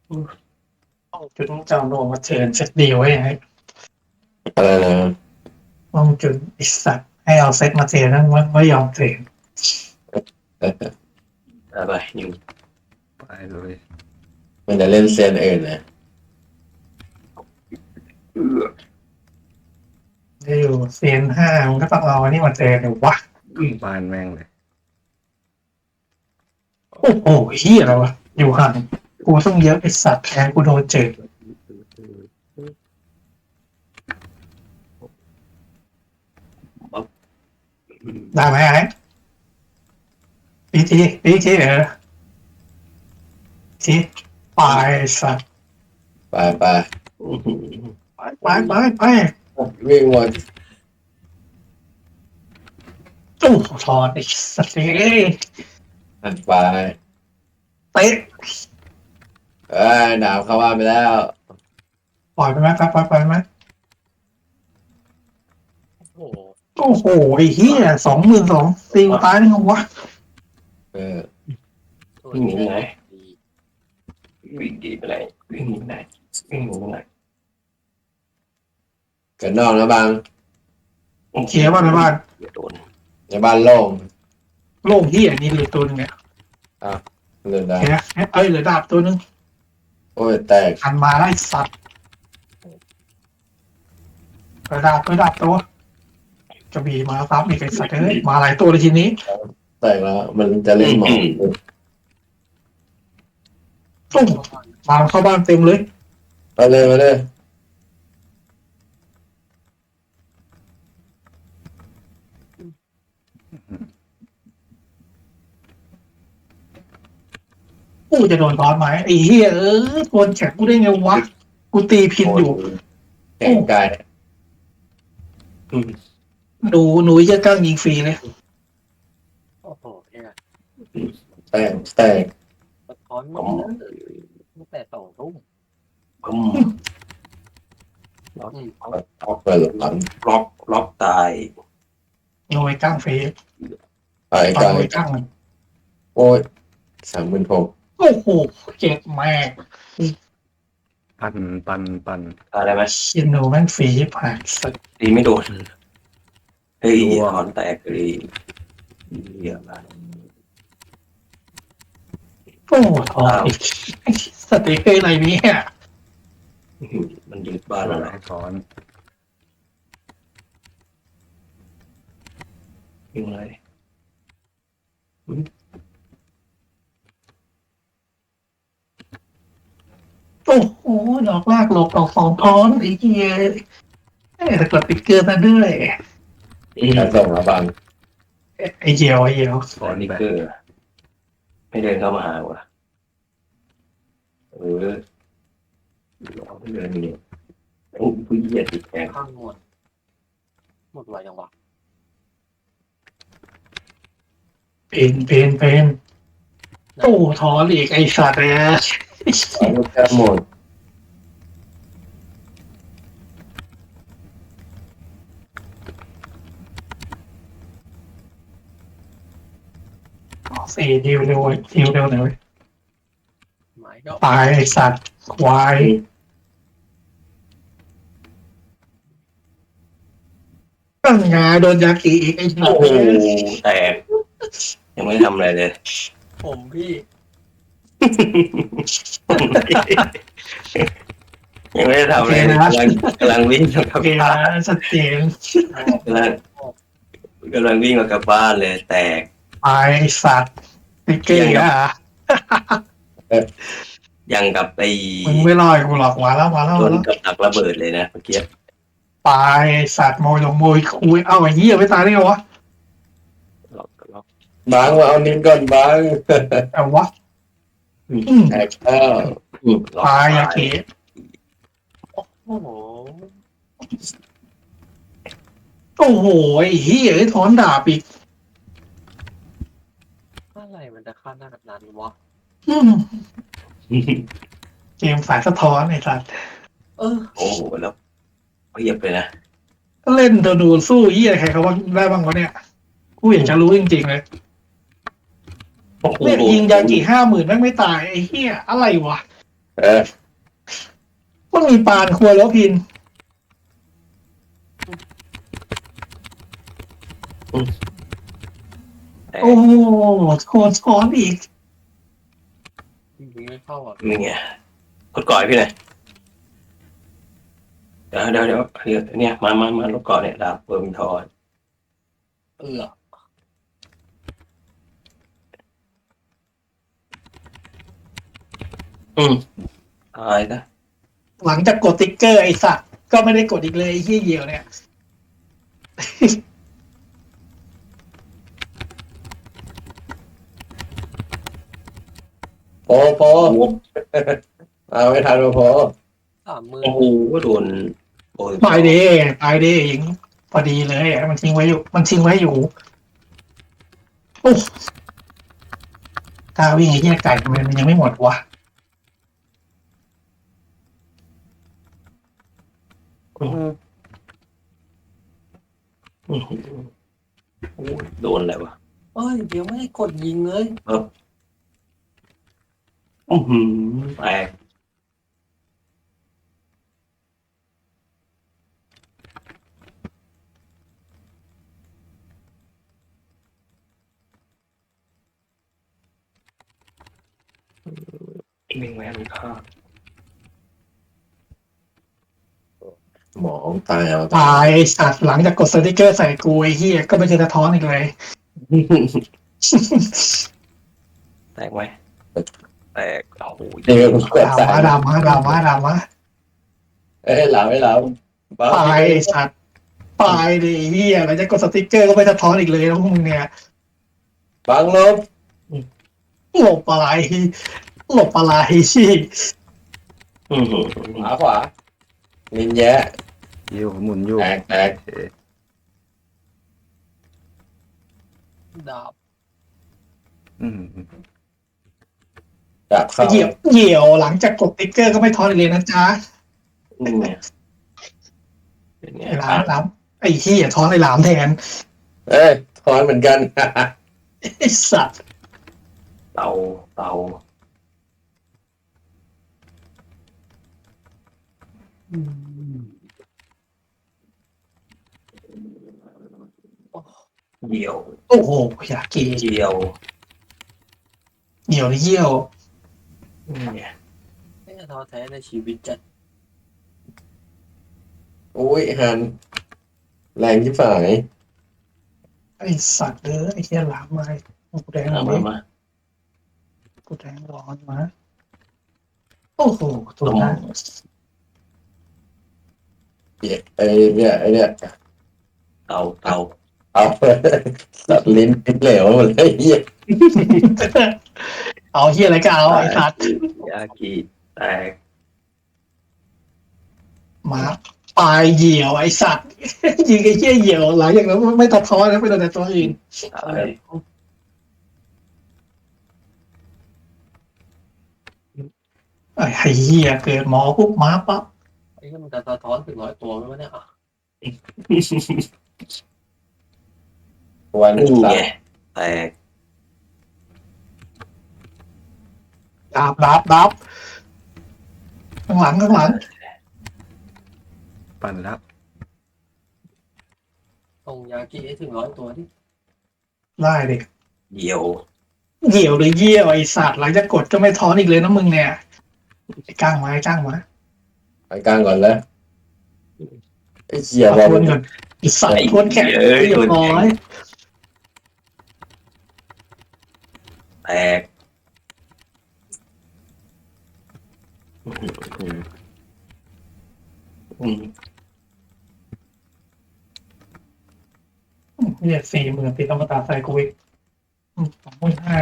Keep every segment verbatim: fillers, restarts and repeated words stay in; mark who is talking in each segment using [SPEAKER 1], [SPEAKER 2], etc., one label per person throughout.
[SPEAKER 1] ต้องจุดจำลงมาเชิญเซตดีไว้ให้
[SPEAKER 2] อะไรนะ
[SPEAKER 1] ต้องจุดไอสัตว์ให้เอาเซตมาเทรนนั้นไม่ไม่ยอมเทรน
[SPEAKER 3] อะไรนิว
[SPEAKER 4] ไปเลย
[SPEAKER 2] มันจะเล่นเซียนอื่นนะ
[SPEAKER 3] เออ
[SPEAKER 1] ได้อยู่เซียนห้ามันก็ต้องเอาอันนี้มาเทรนหรือวะ
[SPEAKER 4] บ้านแม่งเลย
[SPEAKER 1] โอ้โหเฮียอะไรวะอยู่ห่างกูต้องเยอะไอสัตว์แทนกูโดนเจอได้ไหมไอ้ปีทีปีทีเออทีไปสัตว์
[SPEAKER 2] ไปไป
[SPEAKER 1] ไปไปไปไป
[SPEAKER 2] วิ่งหมด
[SPEAKER 1] ตู้ถอดไอ้สัตว์เอ้ย
[SPEAKER 2] หันไป
[SPEAKER 1] เตะ
[SPEAKER 2] เอ้ยดาวเข้าบ้านไปแล้ว
[SPEAKER 1] ปล่อยไปไหมปล่อยปล่อยปล่อยไหม
[SPEAKER 3] โอ้โห
[SPEAKER 1] โอ้โหไอ้เหี้ยสองหมื่นสองตีกูตายได้ไงวะ
[SPEAKER 2] เออ
[SPEAKER 3] วิ่งหนีไปไหนวิ่งดีไปไหนวิ่งหนีไปไหนวิ่งหนีไปไหน
[SPEAKER 2] เกิดนอกนะบาง
[SPEAKER 1] เคลียร์บ้านในบ้าน
[SPEAKER 3] อย่าโดน
[SPEAKER 2] ในบ้านโล่ง
[SPEAKER 1] โล่งเหี้ยนี่เหลือตัวหนึงเนี่ย
[SPEAKER 2] เลือดได้
[SPEAKER 1] เห็นไหมเอ้ยเหลือดาบตัวหนึง
[SPEAKER 2] โอ้ยแตก
[SPEAKER 1] หันมาได้สัตว์เหลือดาบเหลือดาบตัวจะบีมาซ้ำอีกไอ้สัตว์เอ้ยมาหลายตัวเลยทีนี้
[SPEAKER 2] แตกแล้วมันจะเล่นหมอง
[SPEAKER 1] ตุ้มมาเข้าบ้านเต็มเลย
[SPEAKER 2] ไปเลยมาเลย
[SPEAKER 1] กูจะโดนตอนไหมไอ้เหี้ยเออโดนแข็งกูได้ไงวะกูตีพินอยู่
[SPEAKER 2] แข่งกาย
[SPEAKER 1] หนูหนูจะกั้งยิงฟรีเลย
[SPEAKER 3] โอ้โหเนี่ย
[SPEAKER 2] แตกแตก
[SPEAKER 3] สะท้อนมันตั้งแต่สองทุ่มอืมล็อก
[SPEAKER 2] ออกไปหลัง
[SPEAKER 3] ล็อกล็อกตาย
[SPEAKER 1] หนูไอ้กั้งฟรี
[SPEAKER 2] ไอ้
[SPEAKER 1] ตอน
[SPEAKER 2] กาย
[SPEAKER 1] หนูไอ้กั้งมัน
[SPEAKER 2] โอ้ยสามหมื่นหก
[SPEAKER 1] โอ้โหเจ็บแม่ง
[SPEAKER 4] ปันปันปัน
[SPEAKER 3] อะไรไหม
[SPEAKER 1] เชียโนแม่งฟรีผ่านสัตว์
[SPEAKER 3] ตีไม่โดนเฮ้ยถอนแตกเลยเหี้ยอะ
[SPEAKER 1] โอ้ทองอีกสติกเกอร์อะไรเนี่ย
[SPEAKER 3] มันยึดบ้านอะไร
[SPEAKER 4] ให้ถอน
[SPEAKER 3] ยิงเลย
[SPEAKER 1] โอ้โหดอกลากหลบดอกสองท้อนไอ้เหี้ยเอ้ยแต่กดติ๊กเกอร์มาด้วย
[SPEAKER 2] การส่งแล้วบาง
[SPEAKER 1] ไอ้เหี้ยวไอ้เหี้ยว
[SPEAKER 4] ถอน
[SPEAKER 3] นี่
[SPEAKER 4] ไป
[SPEAKER 3] คือไม่เดินเข้ามาหาวะเออเราไม่เดินเนี่ยโอ้ผู้เหยียดติดแขนข้างหมดหมดไวยังวะ
[SPEAKER 1] เป็นเป็นเป็นโอ้ทอนอีกไอ้สัตว์เลย
[SPEAKER 2] เอาลูกแก้หมด
[SPEAKER 1] สี่ดิวเร็วดิวเร็วหน่อย
[SPEAKER 3] หมายก็
[SPEAKER 1] ตายไอ้สัตว์ควายตั้งงาโดนยากิอีกไอ้สั
[SPEAKER 3] โอ้
[SPEAKER 1] ตว์
[SPEAKER 3] โหแตกยังไม่ทำอะไรเลย ผมพี่ ยังไม่ได้ทำอะไรเลยกำลังกำลังวิ่งมากับ
[SPEAKER 1] โอเค
[SPEAKER 3] บ้า
[SPEAKER 1] นะ
[SPEAKER 3] น
[SPEAKER 1] ชัดเจน
[SPEAKER 3] กำลังกำลังวิ่งมากับบ้านเลย แตก
[SPEAKER 1] ตายไอ้สัตว์ติ๊กเกอร์อ่ะ
[SPEAKER 3] ยังกับไอ้
[SPEAKER 1] มึงไม่รอดกูหรอกมาแล้วมาแล้ว
[SPEAKER 3] โด
[SPEAKER 1] มาน แล้ว
[SPEAKER 3] กับดักระเบิดเลยนะเมื่อกี้
[SPEAKER 1] ตายไอ้สัตว์โมยลงโมยคุยเอ้าไอ้เหี้ยไม่ตายได้ไงวะ
[SPEAKER 3] ล็อกล็อก
[SPEAKER 2] บางมาเอานิ้วก่อนบาง
[SPEAKER 1] แต่วะอืม
[SPEAKER 2] แตกแล้ว
[SPEAKER 3] ล็อก
[SPEAKER 1] ตายยากิ
[SPEAKER 3] โอ้โห
[SPEAKER 1] โอ้โหไอ้เหี้ยไอ้ถอนดาบอีก
[SPEAKER 3] อะไรมันจะฆ่าหน้าแบบนั้นวะ
[SPEAKER 1] อืมเกมสายสะท้อนไอ้สัตว์
[SPEAKER 3] เออโอ้โหแล้วเพียบเลยนะ
[SPEAKER 1] ก็เล่นเธอดูสู้เหี้ยใครเขาว่าได้บ้างวะเนี่ยกูอยากจะรู้จริงๆเลย
[SPEAKER 3] โอ้โห
[SPEAKER 1] เนี่ยยิงยากิห้าหมื่นแม่งไม่ตายไอ้เหี้ยอะไรวะ
[SPEAKER 2] เออ
[SPEAKER 1] มันมีปานครัวแล้วพิน
[SPEAKER 3] แต่
[SPEAKER 1] โอ้โหโคตรซ้อนอีก
[SPEAKER 5] ยิงไม่เข้าอ่ะ
[SPEAKER 3] นี่ไงกดก่อยพี่หน่อยเดี๋ยวเดี๋ยวเดี๋ยวเดี๋ยวเนี่ยมามามาลดก่อนเนี่ยดาบเปิร์มินทอน
[SPEAKER 5] เออ
[SPEAKER 3] อืมตายนะ
[SPEAKER 1] หลังจากกดติ๊กเกอร์ไอ้สัตว์ก็ไม่ได้กดอีกเลยไอ้เหี้ยเหี่ยวเนี่ย
[SPEAKER 2] โปโปเอาไม่ทันโป
[SPEAKER 5] สามหมื่น
[SPEAKER 3] โอ้โหโดนโอ้ย
[SPEAKER 1] ตายดิตายดิยิงพอดีเลยอะมันทิ้งไว้อยู่ มันทิ้งไว้อยู่โอ้กาวิ่งไอ้เหี้ยไก่ทำไมมันยังไม่หมดวะ
[SPEAKER 3] อื้อหืออื้อหือโอ้ยโดนอะไรวะ
[SPEAKER 5] เอ้ยเดี๋ยวไม่ได้กดยิงเลย
[SPEAKER 3] อือหือแตกวิ่งแหวนข้า
[SPEAKER 2] หมอตายเอา
[SPEAKER 1] ตายไอ้สัตว์หลังจากกดสติ๊กเกอร์ใส่กูไอ้เหี้ยก็ไม่เคยสะท้อนอีกเลย
[SPEAKER 3] แตกไหมแตกโอ้โห
[SPEAKER 2] เดี๋ยวกูกด
[SPEAKER 1] ดา
[SPEAKER 2] ตาย
[SPEAKER 1] มาดามาดามาดามา
[SPEAKER 2] เอ้ยหลับไม่หลับบ้า
[SPEAKER 1] ตายไอ้สัตว์ตายดิไอ้เหี้ยหลังจากกดสติ๊กเกอร์ก็ไม่สะท้อนอีกเลยแล้วพวกมึงเนี่ย
[SPEAKER 2] บังลบ
[SPEAKER 1] หลบอะไรหลบอะไรชี่
[SPEAKER 3] อื้อหือ
[SPEAKER 2] ขวาขวาลินแยะ
[SPEAKER 4] อยู่หมุนอยู่
[SPEAKER 2] แตกแตก
[SPEAKER 4] เอ๊ะ
[SPEAKER 5] ดาบ
[SPEAKER 4] อืม
[SPEAKER 2] จับเข้า
[SPEAKER 1] เหยียบเหยี่ยวหลังจากกดติ๊กเกอร์ก็ไม่ท้อนอีกเลยนะจ๊ะ
[SPEAKER 3] นี่ไงเป็นไง
[SPEAKER 1] ไอ้หลามหลามไอ้เหี้ยท้อนไอ้หลามแทน
[SPEAKER 2] เอ้ยทอนเหมือนกัน
[SPEAKER 1] ไอ้สัตว์
[SPEAKER 3] เตาเตา
[SPEAKER 5] อืม
[SPEAKER 3] เดี่ยว
[SPEAKER 1] โอ้โหอยากกี
[SPEAKER 3] เดี่ยว
[SPEAKER 1] เหยี่ยวหรือเยี่ยว
[SPEAKER 3] นี่ไง
[SPEAKER 5] ไม่ท้อแท้ในชีวิตจัด
[SPEAKER 2] โอ้ยหันแรงที่ฝ่าย
[SPEAKER 1] ไอ้สัตว์เด้อไอ้เหี้ยหลามมากูแดง
[SPEAKER 3] เอา
[SPEAKER 1] เล
[SPEAKER 3] มาย มา
[SPEAKER 1] กูแดงร้อนมาโอ้โหตัวนั้น
[SPEAKER 2] ไอ้เนี่ยไอ้เนี่ย
[SPEAKER 3] เตาเตา
[SPEAKER 2] เอาตัดลิ้นลิ้นเหลวหมดเลยเหี้ย
[SPEAKER 1] เอาเหี้ยอะไรก็เอาไอ้สัตว์
[SPEAKER 3] ยากิแตก
[SPEAKER 1] มาปลายเหยี่ยวไอ้สัตว์ ยิงไอ้เหี้ยเหยี่ยวหลังอย่างนั้นไม่ตัดท้อนแล้วไปโดนแต่ตัวอื่น
[SPEAKER 3] ตาย
[SPEAKER 1] ไอ้เหี้ยเกิดหมอปุ๊บมาปั๊บ
[SPEAKER 5] ไอ้ที่มันจะสะท้อนถึงร้อยตัวไหมวะเนี่ยอ่ะ
[SPEAKER 2] วัน
[SPEAKER 3] นี่
[SPEAKER 2] สั
[SPEAKER 3] ไง
[SPEAKER 2] ตว์
[SPEAKER 3] แตก
[SPEAKER 1] ดาบดาบดาบข้างหลังข้างหลัง
[SPEAKER 4] ปั่นแล้ว
[SPEAKER 5] ตรงยากิให้ถึงร้อยตัวที่
[SPEAKER 1] ได้ดิ
[SPEAKER 3] เดี่ยว
[SPEAKER 1] เหยี่ยวหรือเยี่ยวไอ้สัตว์หลังจากกดก็ไม่ท้อนอีกเลยนะมึงเนี่ยไอ้ก้างมาไอ้ก้างมา
[SPEAKER 2] ไปกลางก่อนแล้วไอ้เหี้ย
[SPEAKER 1] เอา
[SPEAKER 2] บอ
[SPEAKER 1] ทวน
[SPEAKER 2] ล
[SPEAKER 1] ก่อนไอ้สัตว์ทวนแข็งเรียบร้อย
[SPEAKER 3] แตกอื้อหืออืม
[SPEAKER 1] เนี่ยสี่หมื่นติดอมตะใส่กูอีกอืมสองหมื่นห้า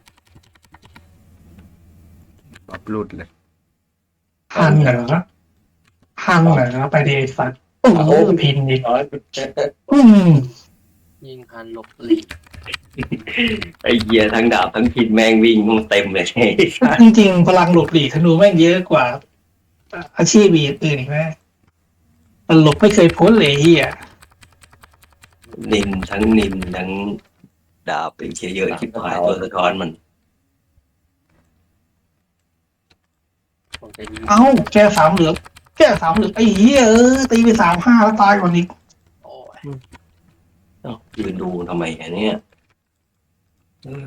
[SPEAKER 4] ปรับหลุดเลย
[SPEAKER 1] หันเหรอหันเหรอไปดีไอ้สัตว์โอ้โหพินอีก
[SPEAKER 2] น้อย
[SPEAKER 1] อืม
[SPEAKER 5] ยิงหันหลบหลีก
[SPEAKER 3] ไอ้เหี้ยทั้งดาบทั้งพินแมงวิ่งมึงเต็มเลย
[SPEAKER 1] จริงๆพลังหลบหลีกธนูแม่งเยอะกว่า อาชีพอื่นอีกไหมมันหลบไม่เคยพ้นเลยเฮีย
[SPEAKER 3] นินทั้งนินทั้งดาบเป็นเชียเยอะชิบหายตัวสะท้อนมัน
[SPEAKER 5] ผมจะยิง
[SPEAKER 1] เอ้าแกสามเหลืองแกสามเหลืองไอ้เหี้ยเออตีไปสามห้าแล้วตายก่อนอีก
[SPEAKER 5] โอ้ย
[SPEAKER 3] เอ้ายืนดูทำไมอันเนี้ยเออ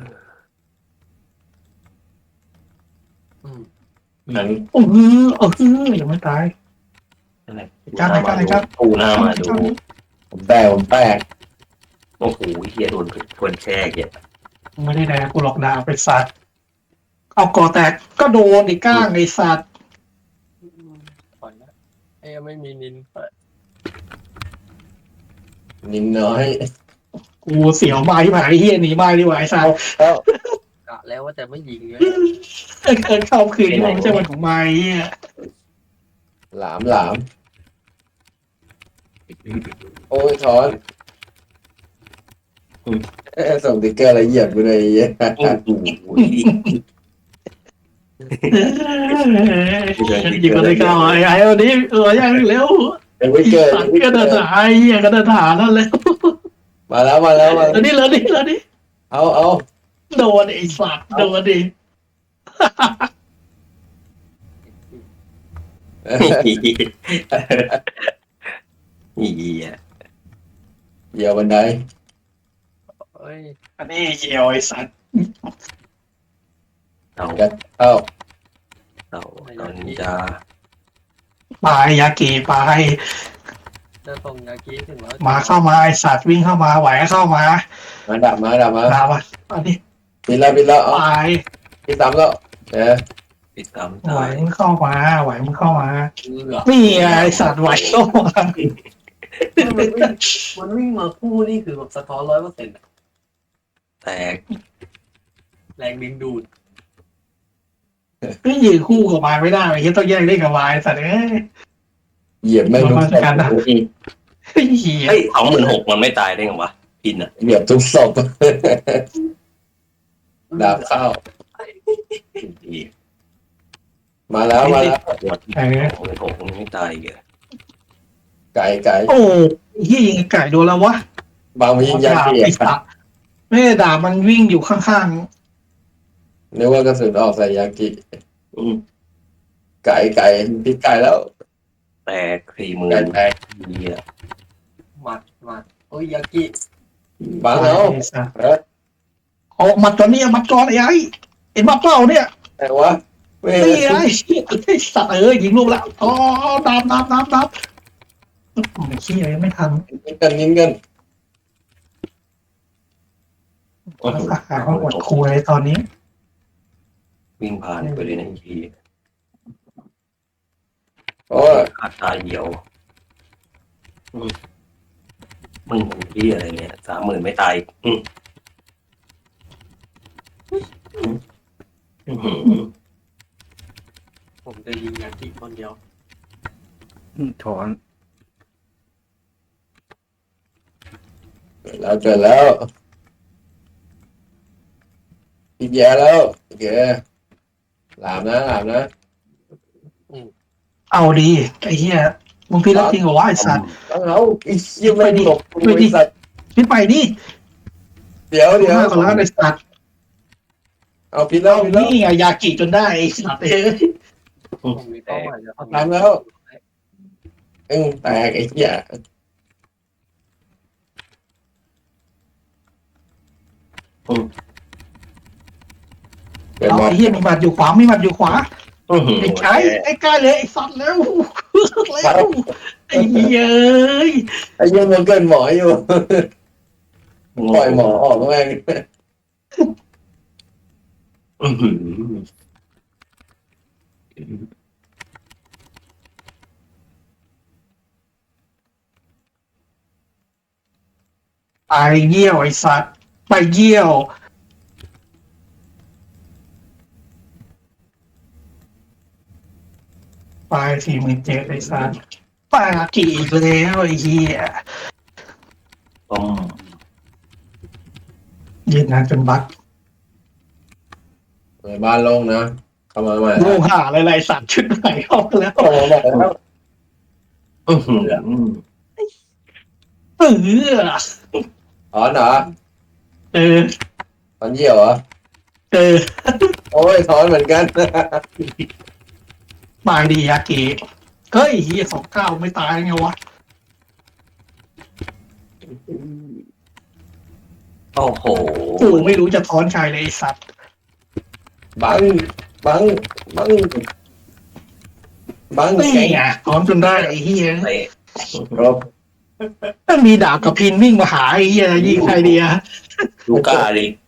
[SPEAKER 5] อืม
[SPEAKER 3] นั้น
[SPEAKER 1] โอ้โหเออยังไม่ตาย
[SPEAKER 3] อะไร
[SPEAKER 1] จ้างเลยจ้างเลยจ้าง
[SPEAKER 3] ปูหน้ามาดู
[SPEAKER 2] ผมแตกผมแตก
[SPEAKER 3] โอ้โหเฮียโดนคนแช่เหี้ย
[SPEAKER 1] ไม่ได้แดกกูหลอกดาวไปสัตว์เอาก่อแตกก็โดนไอ้ก้างไอ้สัตว์
[SPEAKER 5] ปล่อยนะไอ้ยังไม่มีนินเปิด
[SPEAKER 2] นิดน้อย
[SPEAKER 1] กูเสียวไม้ที่ผ่านไอ้เหี้ยหนีไม้ดีกว่าไอ้สัตว์
[SPEAKER 2] แล้ว
[SPEAKER 5] กะแล้วว่าแต่ไม่ยิงเลย
[SPEAKER 1] เกินเข้าคืนที่มันไม่ใช่วันของไม้เหี้ย
[SPEAKER 2] หลามหลามโอ้ยถอนเอ้ยส่งติ๊กเกอร์อะไรเหยียบกูเลยไอ้เหี้ย
[SPEAKER 3] โอ้โห
[SPEAKER 1] ยิงกันเลยก้าวไอ้ไอ้วันนี้เออยังเร็ว
[SPEAKER 2] เป็นวิ
[SPEAKER 1] ไอ้
[SPEAKER 2] กเกอร์
[SPEAKER 1] สัตว์ก็เดินหายเหี้ยก็เดินหานั่นแล้ว
[SPEAKER 2] มาแล้วมาแล้วมา
[SPEAKER 1] แล้วนี่แล้วนี่แล้วนี่
[SPEAKER 2] เอาเอา
[SPEAKER 1] โดนไอ้สัตว์โดนดิ
[SPEAKER 3] อีเหี้ย
[SPEAKER 2] เหยียบบันได
[SPEAKER 5] เอ้ย
[SPEAKER 1] อันนี้เหี่ยวไอ้สัตว์
[SPEAKER 3] เต่า
[SPEAKER 2] เอา
[SPEAKER 3] เต่าตอนนี้จะ
[SPEAKER 1] ปลายยาเกปลาย
[SPEAKER 5] จะส่งยากี้ถึงร้อย
[SPEAKER 1] มาเข้ามาไอ้สัตว์วิ่งเข้ามาไหวก็เข้ามา
[SPEAKER 2] มาดับมาดับมา
[SPEAKER 1] ดาบอ่ะอันนี้
[SPEAKER 2] ปิดแล้วปิดแล้วเอา
[SPEAKER 1] ปลาย
[SPEAKER 2] ปิดซ้ำแล้วเออ
[SPEAKER 3] ติดตาม
[SPEAKER 1] ไหว
[SPEAKER 3] ตาย
[SPEAKER 1] มึงเข้ามาไหวมึงเข้ามา
[SPEAKER 5] เลือ
[SPEAKER 1] นี่ไงไอ้สัตว์ไหวเข้ามา
[SPEAKER 5] มันวิ่งมันวิ่งมาคู่นี่คือแบบสะท้อนร้อยเปอร์เซ็นต์
[SPEAKER 3] แตก
[SPEAKER 5] แรงดึงดูด
[SPEAKER 1] ไม่ยืนคู่กับวายไม่ได้ไอ้เหี้ยต้องแยกเล่นกับวายสัตว์เอ้ย
[SPEAKER 2] เหยียบไม่รู้
[SPEAKER 1] มาตรการดับ ไอ้เหี้ย
[SPEAKER 3] เฮ้ยสองหมื่นหกมันไม่ตายได้ไงวะพินอ่ะ
[SPEAKER 2] เหยียบทุกศพดาบเข้ามาแล้วมาแล้ว
[SPEAKER 3] หมดสองหมื่นหกมันไม่ตายอีกเหรอ
[SPEAKER 2] ไก่ไก่
[SPEAKER 1] โอ้ไอ้เหี้ยยิงไอ้ไก่โดนแล้ววะ
[SPEAKER 2] บางมันยิงยา
[SPEAKER 1] ดาบ
[SPEAKER 2] เกีย
[SPEAKER 1] ไอ้สัตว์ไม่ได้ดาบมันวิ่งอยู่ข้าง
[SPEAKER 2] นึกว่ากระสุนออกใส่ยากิ
[SPEAKER 3] อืม
[SPEAKER 2] ไก่ไก่พิษไก่แล้ว
[SPEAKER 3] แตกสี่หมื่
[SPEAKER 2] ไก่
[SPEAKER 3] น
[SPEAKER 2] แตก
[SPEAKER 3] เหี้ย
[SPEAKER 5] หมัดหมัดโอ้ยยากิ
[SPEAKER 1] ๆ
[SPEAKER 2] บางแล้ว
[SPEAKER 1] ไอ้สัตว์
[SPEAKER 2] เออ
[SPEAKER 1] ออกมัดตอนนี้มัดก่อนไอ้ไอ้เห็นมัดเปล่าเนี่ย
[SPEAKER 2] แต่ว่าไม่
[SPEAKER 1] นี่ไอ้ไอ้สัตว์เอ้ยยิงลูกแล้วอ๋อดาบดาบดาบดาบไอ้เหี้ยไม่ทัน
[SPEAKER 2] ยิงกันยิงกัน
[SPEAKER 1] อาหารมันหมดคุยตอนนี้
[SPEAKER 3] วิ่งผ่านไปเลยนะอีกที
[SPEAKER 2] โอ้ย
[SPEAKER 3] ขาดตายเหี่ยวอืมมึงเป็นที่อะไรเนี่ยสามหมื่นไม่ตายอืมอืมอืม
[SPEAKER 5] ผมจะยิงยากิคนเดียว
[SPEAKER 4] อืมถอน
[SPEAKER 2] เกิดแล้วเกิดแล้วอีกแย่แล้วโอเคหลามนะหลามนะ
[SPEAKER 1] เอาดีไอ้เหี้ยมึงพี่รักจริงเหรอวะไอ้สัตว์
[SPEAKER 2] ต้องเอาไอ้เชี่ยไม่หลบไอ้สัตว์
[SPEAKER 1] พี่ไปดิ
[SPEAKER 2] เดี๋ยวเดี๋ยว
[SPEAKER 1] มากกว่าแล้วไอ้สัตว์
[SPEAKER 2] เอาพิษแล้วพิษแล้ว
[SPEAKER 1] นี่ไงยากิจนได้ไอ้สัตว์เอ้ย
[SPEAKER 5] ผมมีเป้าหมายจะทำ
[SPEAKER 2] ทำแล้วเอ็งแตกไอ้เหี้ยเกิด
[SPEAKER 1] เอา
[SPEAKER 2] มา
[SPEAKER 1] ไอ้เหี้ยมีบัตรอยู่ขวามีบัตรอยู่ขวา
[SPEAKER 3] อืม
[SPEAKER 1] ไอ้ไก่ไอ้ไก่เลยไอ้สัตว์แล้วแล้วไอ้เหี้ยเอ้ย
[SPEAKER 2] ไอ้เหี้ยังมันเกินหมออยู่ปล่อยหมอออกแม่ง
[SPEAKER 3] อื้อหือ
[SPEAKER 1] ไปเยี่ยวไอ้สัตว์ไปเยี่ยวไปสี่หมื่นเจ็ดไอ้สัตว์ปากี่อีกแล้วไอ้เหี้ย
[SPEAKER 3] ต้ม
[SPEAKER 1] ยืนนานจนบัก
[SPEAKER 2] เปิดบ้านลงนะเข้ามาใหม่
[SPEAKER 1] โลหะอะไรไรสัตว์ชุดไหนออกแล้ว
[SPEAKER 2] เข้ามาใหม่แล้ว
[SPEAKER 3] อื้อหือ
[SPEAKER 1] เออ
[SPEAKER 2] ถอนเหรอ
[SPEAKER 1] เออ
[SPEAKER 2] ถอนเยี่ยวเหรอ
[SPEAKER 1] เออ
[SPEAKER 2] โอ้ยถอนเหมือนกัน
[SPEAKER 1] บายดียาเกะเฮ้ยเฮียสองเก้าไม่ตายไงวะ
[SPEAKER 3] โอ้โห
[SPEAKER 1] กูไม่รู้จะท้อนใครเลยไอ้สัตว์
[SPEAKER 2] บังบังบังบัง
[SPEAKER 1] นี่
[SPEAKER 2] แข็ง
[SPEAKER 1] ไงท้อนจนได้ไอ้เฮีย
[SPEAKER 3] เตะ
[SPEAKER 2] ครบ
[SPEAKER 1] ถ้ามีดาบกับพินวิ่งมาหาไอ้เฮียยิงใครดีอะ
[SPEAKER 3] ลูก้าดิ